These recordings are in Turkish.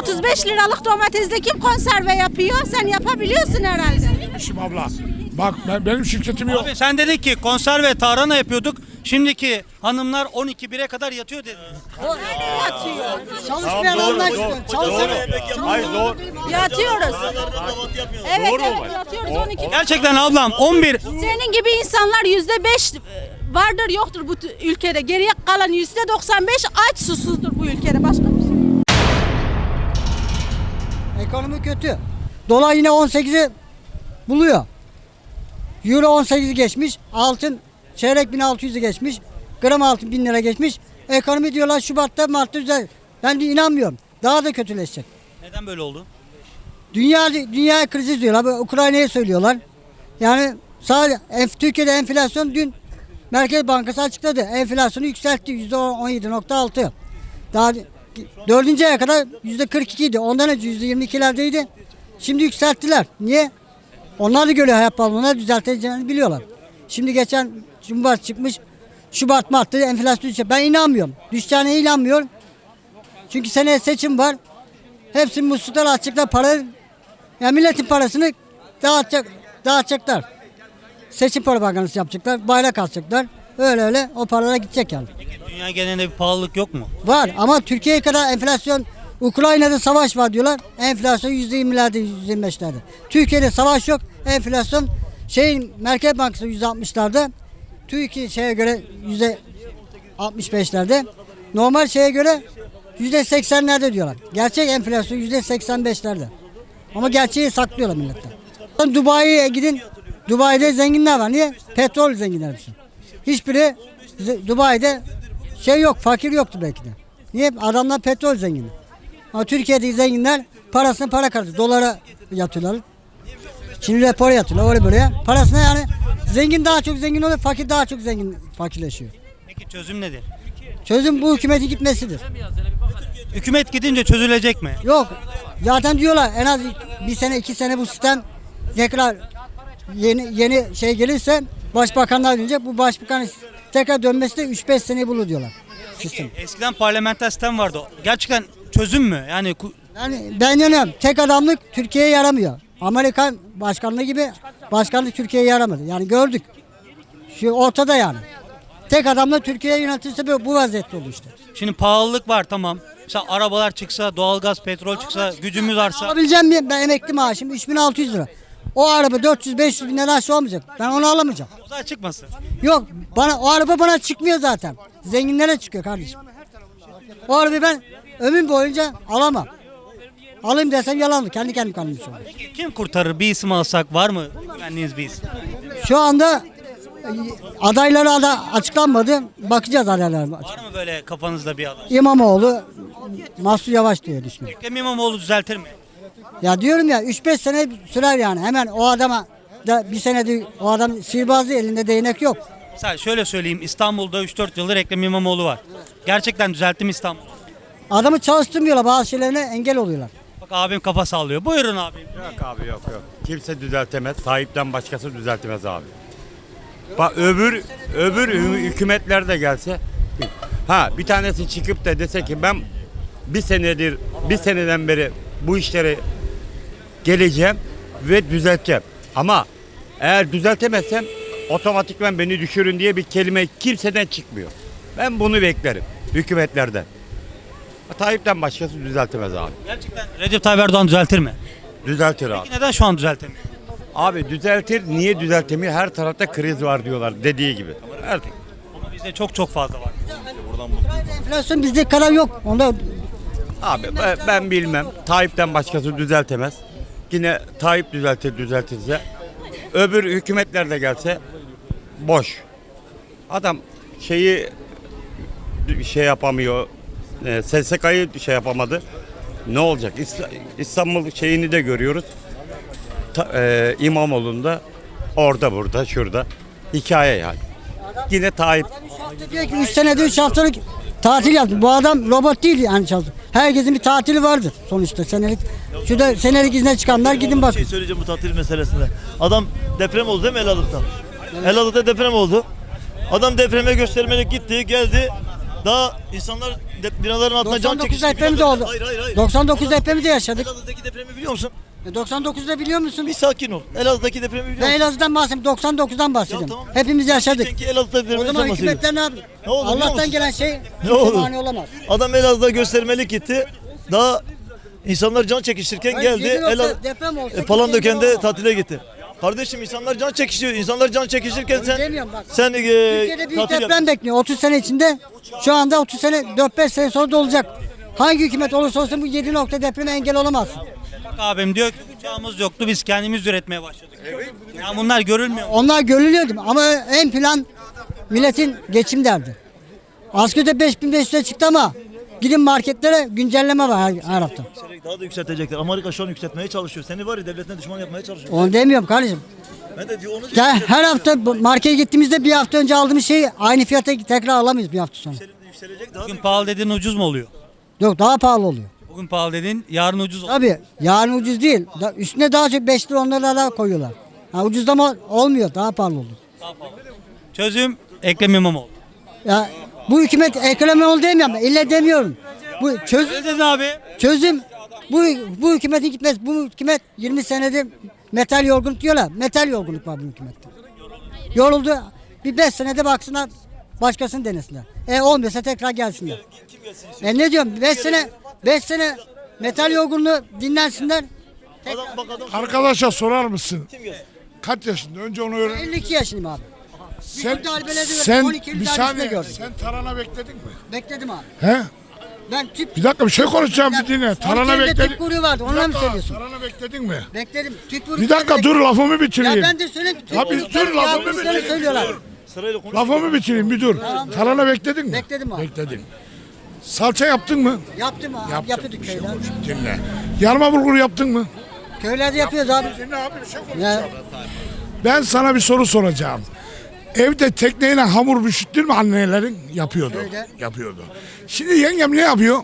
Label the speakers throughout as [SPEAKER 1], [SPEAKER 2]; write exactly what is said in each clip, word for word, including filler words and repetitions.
[SPEAKER 1] otuz beş liralık domatesle kim konserve yapıyor? Sen yapabiliyorsun herhalde.
[SPEAKER 2] İşim abla. Bak ben, benim şirketim yok.
[SPEAKER 3] Abi sen dedin ki konserve tarhana yapıyorduk. Şimdiki hanımlar on iki bire kadar yatıyor dedi.
[SPEAKER 1] Öyle yatıyor.
[SPEAKER 4] Çalışmayan almak istiyor. Çalışan.
[SPEAKER 2] Hayır doğru.
[SPEAKER 1] Yatıyoruz. Evet
[SPEAKER 2] Doğru
[SPEAKER 1] evet
[SPEAKER 2] mu?
[SPEAKER 1] yatıyoruz on iki.
[SPEAKER 3] Gerçekten ablam on bir.
[SPEAKER 1] Senin gibi insanlar yüzde beş vardır yoktur bu t- ülkede. Geriye kalan yüzde doksan beş aç susuzdur bu ülkede. Başka bir şey.
[SPEAKER 4] Ekonomi kötü. Dolar yine on sekizi buluyor. Euro on sekizi geçmiş. Altın çeyrek bin altı yüzü geçmiş. Gram altın bin lira geçmiş. Ekonomi diyorlar Şubat'ta Mart'ta düzel. Ben de inanmıyorum. Daha da kötüleşecek.
[SPEAKER 3] Neden böyle oldu?
[SPEAKER 4] Dünya dünya krizi diyorlar. Bu Ukrayna'ya söylüyorlar. Yani sadece enf- Türkiye'de enflasyon dün Merkez Bankası açıkladı. Enflasyonu yükseltti yüzde on yedi nokta altı. Daha dördüncü aya kadar yüzde kırk iki idi. Ondan önce yüzde yirmi ikilerdeydi. Şimdi yükselttiler. Niye? Onlar da görüyor hayat pahalılığını düzelteceğini biliyorlar. Şimdi geçen Cumhurbaşkanı çıkmış. Şubat Mart'ta enflasyon düşecek. Ben inanmıyorum. Düşeceğine inanmıyorum. Çünkü seneye seçim var. Hepsini musluklar açacaklar para. Yani milletin parasını dağıtacak, dağıtacaklar. Seçim propagandası yapacaklar. Bayrak asacaklar. Öyle öyle o paralara gidecek yani.
[SPEAKER 3] Peki dünya genelinde bir pahalılık yok mu?
[SPEAKER 4] Var ama Türkiye'ye kadar enflasyon, Ukrayna'da savaş var diyorlar. Enflasyon yüzde yirmilerde, yüzde yirmi beşlerde. Türkiye'de savaş yok. Enflasyon şeyin Merkez Bankası yüzde altmışlarda. Türkiye şeye göre yüzde altmış beşlerde. Normal şeye göre yüzde seksenlerde diyorlar. Gerçek enflasyon yüzde seksen beşlerde. Ama gerçeği saklıyorlar milletten. Dubai'ye gidin. Dubai'de zenginler var. Niye? Petrol zenginler hepsi. Hiçbiri Dubai'de şey yok, fakir yoktu belki de. Niye? Adamlar petrol zengini. Ama Türkiye'deki zenginler parasını para kartı. Dolara yatıyorlar. Şimdi rapor yatıyorlar öyle böyle. Parasına yani zengin daha çok zengin oluyor, fakir daha çok zengin fakirleşiyor.
[SPEAKER 3] Peki çözüm nedir?
[SPEAKER 4] Çözüm bu hükümetin gitmesidir.
[SPEAKER 3] Hükümet gidince çözülecek mi?
[SPEAKER 4] Yok. Zaten diyorlar en az bir sene iki sene bu sistem tekrar yeni yeni şey gelirse başbakanlar dönecek. Bu başbakan tekrar dönmesi de üç beş seneyi bulur diyorlar. Sistem.
[SPEAKER 3] Eskiden parlamenter sistem vardı. Gerçekten çözüm mü? Yani ku-
[SPEAKER 4] Yani ben inanıyorum tek adamlık Türkiye'ye yaramıyor. Amerikan başkanlığı gibi başkanlık Türkiye'ye yaramadı. Yani gördük. Şu ortada yani. Tek adamla Türkiye'ye yönetilse bu bu vaziyette olur işte.
[SPEAKER 3] şimdi pahalılık var tamam. Mesela arabalar çıksa, doğalgaz, petrol çıksa, gücümüz artsa.
[SPEAKER 4] Alabileceğim mi? Ben emekli maaşım üç bin altı yüz lira. O araba dört yüz beş yüz bin lira aşağı olmayacak. Ben onu alamayacağım.
[SPEAKER 3] O zaman çıkmasın.
[SPEAKER 4] Yok bana o araba bana çıkmıyor zaten. Zenginlere çıkıyor kardeşim. O arabayı ben ömrüm boyunca alamam. Alayım desem yalanlı. Kendi kendim kalmış olur.
[SPEAKER 3] Peki kim kurtarır? Bir isim alsak var mı? Güvenliğiniz bir isim.
[SPEAKER 4] Şu anda e, adayları da açıklanmadı. Bakacağız adaylara.
[SPEAKER 3] Var mı böyle kafanızda bir aday?
[SPEAKER 4] İmamoğlu, Mahsur Yavaş diye düşünüyorum.
[SPEAKER 3] Ekrem İmamoğlu düzeltir mi?
[SPEAKER 4] Ya diyorum ya üç beş sene sürer yani. Hemen o adama da bir senede o adam sihirbazı elinde değnek yok.
[SPEAKER 3] Mesela şöyle söyleyeyim. İstanbul'da üç dört yıldır Ekrem İmamoğlu var. Gerçekten düzeltti mi İstanbul?
[SPEAKER 4] Adamı çalıştırmıyorlar, bazı şeylerine engel oluyorlar.
[SPEAKER 3] Bak abim kafa sallıyor. Buyurun abim.
[SPEAKER 5] Yok abi yok yok. Kimse düzeltemez. Tayyip'ten başkası düzeltemez abi. Bak öbür öbür hü- hükümetler de gelse ha bir tanesi çıkıp da dese ki ben bir senedir bir seneden beri bu işleri geleceğim ve düzelteceğim. Ama eğer düzeltemezsem otomatikman beni düşürün diye bir kelime kimseden çıkmıyor. Ben bunu beklerim hükümetlerden. Tayyip'ten başkası düzeltemez abi.
[SPEAKER 3] Gerçekten Recep Tayyip Erdoğan düzeltir mi?
[SPEAKER 5] Düzeltir abi.
[SPEAKER 3] Peki neden şu an düzeltemiyor?
[SPEAKER 5] Abi düzeltir, niye düzeltemiyor? Her tarafta kriz var diyorlar dediği gibi. Her
[SPEAKER 3] Ama bizde çok çok fazla var.
[SPEAKER 4] Enflasyon bizde kadar yok. Onda
[SPEAKER 5] Abi ben, ben bilmem. Tayyip'ten başkası düzeltemez. Yine Tayyip düzeltir düzeltirse. Öbür hükümetler de gelse boş. Adam şeyi şey yapamıyor. E, S S K'yı şey yapamadı. Ne olacak? İs- İstanbul şeyini de görüyoruz. Ta, e, İmamoğlu'nda orada burada şurada. Hikaye yani. Yine Tayyip.
[SPEAKER 4] diyor ki üç senede üç haftalık tatil yaptı. Bu adam robot değil yani çalışıyor. Herkesin bir tatili vardır sonuçta senelik. Şurada senelik izne çıkanlar gidin bak.
[SPEAKER 6] Bir şey söyleyeceğim bu tatil meselesinde. Adam deprem oldu değil mi Elazığ'da? Elazığ'da deprem oldu. Adam depreme göstermelik gitti, geldi. Daha insanlar de- binaların altında can
[SPEAKER 4] doksan dokuz
[SPEAKER 6] çekişti.
[SPEAKER 4] depremi de oldu.
[SPEAKER 6] Hayır hayır hayır.
[SPEAKER 4] doksan dokuz depremi de yaşadık.
[SPEAKER 6] Elazığ'daki depremi biliyor musun?
[SPEAKER 4] E, doksan dokuzda biliyor musun?
[SPEAKER 6] Bir sakin ol. Elazığ'daki depremi biliyor
[SPEAKER 4] Ben
[SPEAKER 6] musun?
[SPEAKER 4] Elazığ'dan bahsediyorum. doksan dokuzdan bahsediyorum. Hepimiz yaşadık.
[SPEAKER 6] Çünkü Elazığ'da
[SPEAKER 4] O
[SPEAKER 6] depremi
[SPEAKER 4] zaman
[SPEAKER 6] sen bahsediyorsun.
[SPEAKER 4] hükümetler ne yaptı?
[SPEAKER 6] Ne oldu biliyor
[SPEAKER 4] Allah'tan
[SPEAKER 6] musun?
[SPEAKER 4] gelen şey
[SPEAKER 6] Ne oldu?
[SPEAKER 4] mani olamaz.
[SPEAKER 6] Adam Elazığ'da göstermelik gitti. Daha insanlar can çekişirken
[SPEAKER 4] Hayır,
[SPEAKER 6] geldi.
[SPEAKER 4] yedi nokta
[SPEAKER 6] Elazığ
[SPEAKER 4] deprem olsa
[SPEAKER 6] e,
[SPEAKER 4] kimse
[SPEAKER 6] Palandöken'de
[SPEAKER 4] engel
[SPEAKER 6] tatile gitti. Kardeşim insanlar can çekişiyor. İnsanlar can çekişirken sen
[SPEAKER 4] demiyorum bak.
[SPEAKER 6] sen e,
[SPEAKER 4] Türkiye'de büyük
[SPEAKER 6] tatil
[SPEAKER 4] deprem
[SPEAKER 6] yap.
[SPEAKER 4] bekliyor. otuz sene içinde. Şu anda otuz sene, dört beş sene sonra da olacak. Hangi hükümet olursa olsun bu yedi nokta depreme engel olamaz.
[SPEAKER 3] Bak abim diyor ki uçağımız yoktu biz kendimiz üretmeye başladık. Ya bunlar görülmüyor mu?
[SPEAKER 4] Onlar görülüyordu ama en plan milletin geçim derdi. Asgari beş bin beş yüze çıktı ama gidin marketlere güncelleme var her, her hafta.
[SPEAKER 6] Daha da yükseltecekler. Amerika şu an yükseltmeye çalışıyor. Seni var ya devletine düşman yapmaya çalışıyor.
[SPEAKER 4] Onu demiyorum kardeşim.
[SPEAKER 6] Ben de diyor onu
[SPEAKER 4] Ya her hafta bu markete gittiğimizde bir hafta önce aldığımız şeyi aynı fiyata tekrar alamayız bir hafta sonra.
[SPEAKER 6] yükselecek daha da
[SPEAKER 3] Bugün pahalı dediğin ucuz mu oluyor?
[SPEAKER 4] Yok daha pahalı oluyor.
[SPEAKER 3] Bugün pahalı dediğin yarın ucuz oluyor.
[SPEAKER 4] Tabii yarın ucuz değil. Da- Üstüne daha çok beş lira on lira daha koyuyorlar. Ha, ucuzlama olmuyor daha pahalı oluyor.
[SPEAKER 3] Çözüm Ekrem İmamoğlu.
[SPEAKER 4] Ya bu hükümet ekonomi ol demiyorum. İlle demiyorum. Bu çöz,
[SPEAKER 3] Ne dedin abi?
[SPEAKER 4] çözüm bu bu hükümetin gitmez. Bu hükümet yirmi senedir metal yorgunluk diyorlar. Metal yorgunluk var bu hükümette. Yoruldu. Bir beş senede baksınlar başkasını denesinler. E olmuyorsa tekrar gelsinler. E ne diyorum? beş sene beş sene metal yorgunluğu dinlensinler.
[SPEAKER 6] adam bak adam
[SPEAKER 2] Arkadaşa sorar mısın?
[SPEAKER 6] kim gelsin?
[SPEAKER 2] Kaç yaşında? Önce onu öğren.
[SPEAKER 4] elli iki yaşındayım abi.
[SPEAKER 2] Sen,
[SPEAKER 4] Bütün darbeleri de
[SPEAKER 2] sen
[SPEAKER 4] on iki Eylül
[SPEAKER 2] bir
[SPEAKER 4] darbesinde
[SPEAKER 2] saniye
[SPEAKER 4] gördüm.
[SPEAKER 2] sen tarhana bekledin mi?
[SPEAKER 4] Bekledim abi.
[SPEAKER 2] He?
[SPEAKER 4] Ben tüp
[SPEAKER 2] Bir dakika bir şey konuşacağım bir dinle. Tarhana
[SPEAKER 4] on iki Eylül'de
[SPEAKER 2] bekledin.
[SPEAKER 4] tüp kuyruğu vardı.
[SPEAKER 2] Bir
[SPEAKER 4] Onunla mı
[SPEAKER 2] dakika,
[SPEAKER 4] söylüyorsun?
[SPEAKER 2] Tarhana bekledin mi?
[SPEAKER 4] Bekledim. Tüp kuyruğu
[SPEAKER 2] Bir dakika dur lafımı bitireyim.
[SPEAKER 4] Ya ben de söyleyeyim. Tüp
[SPEAKER 2] Ya biz dur, lafımı
[SPEAKER 4] yaptıklarını
[SPEAKER 2] bitireyim.
[SPEAKER 4] söylüyorlar.
[SPEAKER 6] Sırayla konuş.
[SPEAKER 2] Lafımı bitireyim bir dur. Tarhana bekledin mi?
[SPEAKER 4] Bekledim abi.
[SPEAKER 2] Bekledin. Salça yaptın mı?
[SPEAKER 4] Yaptım abi.
[SPEAKER 2] Yaptım.
[SPEAKER 4] Yapıyorduk
[SPEAKER 2] Bir şey
[SPEAKER 4] köyler.
[SPEAKER 2] konuş, dinle. Yarma bulgur yaptın mı?
[SPEAKER 4] Köylerde yapıyoruz abi.
[SPEAKER 2] Dinle abi bir şey konuş.
[SPEAKER 4] Ya,
[SPEAKER 2] Ben sana bir soru soracağım. Evde tekneyle hamur pişirttin mi annelerin? Yapıyordu.
[SPEAKER 4] Öyle.
[SPEAKER 2] Yapıyordu. Şimdi yengem ne yapıyor?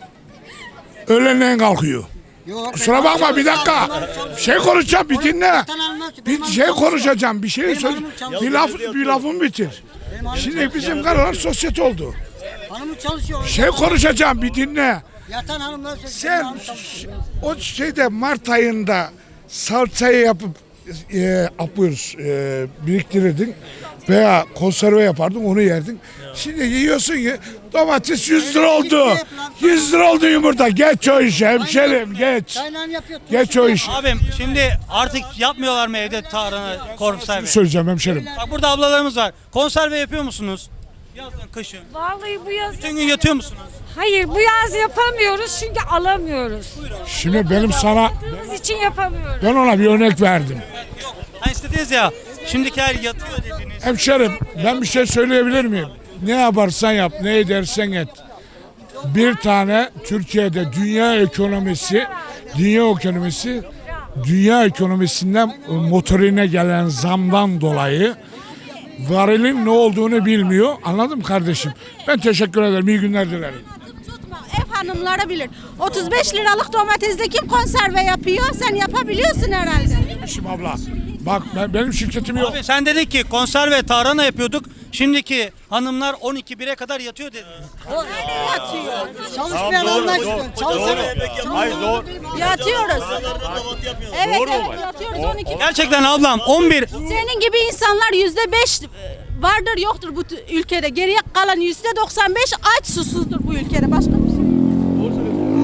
[SPEAKER 2] Öğlenleyin kalkıyor.
[SPEAKER 4] yok.
[SPEAKER 2] Kusura bakma bir dakika. Bir şey konuşacağım bir dinle.
[SPEAKER 4] Vatan almaz ki, benim
[SPEAKER 2] Bir
[SPEAKER 4] hanım
[SPEAKER 2] şey
[SPEAKER 4] çalışıyor.
[SPEAKER 2] konuşacağım. Bir şey
[SPEAKER 4] Benim
[SPEAKER 2] söyle.
[SPEAKER 4] hanımım çalışıyor.
[SPEAKER 2] Bir laf bir lafımı bitir.
[SPEAKER 4] Benim hanım
[SPEAKER 2] Şimdi
[SPEAKER 4] çalışıyor.
[SPEAKER 2] bizim karılar sosyete oldu.
[SPEAKER 4] Hanımım çalışıyor.
[SPEAKER 2] Bir şey konuşacağım bir dinle.
[SPEAKER 4] Yatan hanımlar söylüyor.
[SPEAKER 2] Sen
[SPEAKER 4] benim hanım çalışıyor.
[SPEAKER 2] o şeyde Mart ayında salçayı yapıp e, yapıyoruz, e, biriktirirdin veya konserve yapardın onu yerdin. Şimdi yiyorsun ki domates yüz lira oldu. yüz lira oldu yumurta. Geç o işi hemşerim geç.
[SPEAKER 4] Kaynağım yapıyor.
[SPEAKER 2] Geç o işi.
[SPEAKER 3] Abim şimdi artık yapmıyorlar mı evde tarhana, konserve?
[SPEAKER 2] Söyleyeceğim hemşerim.
[SPEAKER 3] Bak burada ablalarımız var. Konserve yapıyor musunuz? Yazın, kışın.
[SPEAKER 7] Vallahi bu yaz
[SPEAKER 3] Bütün gün yatıyor musunuz?
[SPEAKER 7] hayır bu yaz yapamıyoruz çünkü alamıyoruz.
[SPEAKER 2] Şimdi benim sana
[SPEAKER 7] Aladığımız için yapamıyoruz.
[SPEAKER 2] ben ona bir örnek verdim.
[SPEAKER 3] Hani istediniz ya. Şimdiki her yatıyor dediniz.
[SPEAKER 2] Hemşerim ben bir şey söyleyebilir miyim? Ne yaparsan yap, ne edersen et. Bir tane Türkiye'de dünya ekonomisi, dünya ekonomisi, dünya ekonomisinden motorine gelen zamdan dolayı varilin ne olduğunu bilmiyor. Anladın mı kardeşim? Ben teşekkür ederim. İyi günler dilerim.
[SPEAKER 1] Tutma, ev hanımları bilir. otuz beş liralık domatesde kim konserve yapıyor? Sen yapabiliyorsun herhalde.
[SPEAKER 2] Şimdi abla bak ben, benim şirketim yok.
[SPEAKER 3] Abi sen dedin ki konserve tarhana yapıyorduk. Şimdiki hanımlar on iki bire kadar yatıyor dediniz.
[SPEAKER 1] Yatıyor.
[SPEAKER 4] Çalışmayan almak istiyor. Çalışan.
[SPEAKER 5] Hayır doğru.
[SPEAKER 1] Yatıyoruz. Evet
[SPEAKER 5] Doğru mu
[SPEAKER 1] evet
[SPEAKER 5] var?
[SPEAKER 1] yatıyoruz on iki.
[SPEAKER 3] Gerçekten ablam on bir.
[SPEAKER 1] Senin gibi insanlar yüzde beş vardır yoktur bu t- ülkede. Geriye kalan yüzde doksan beş aç susuzdur bu ülkede. Başka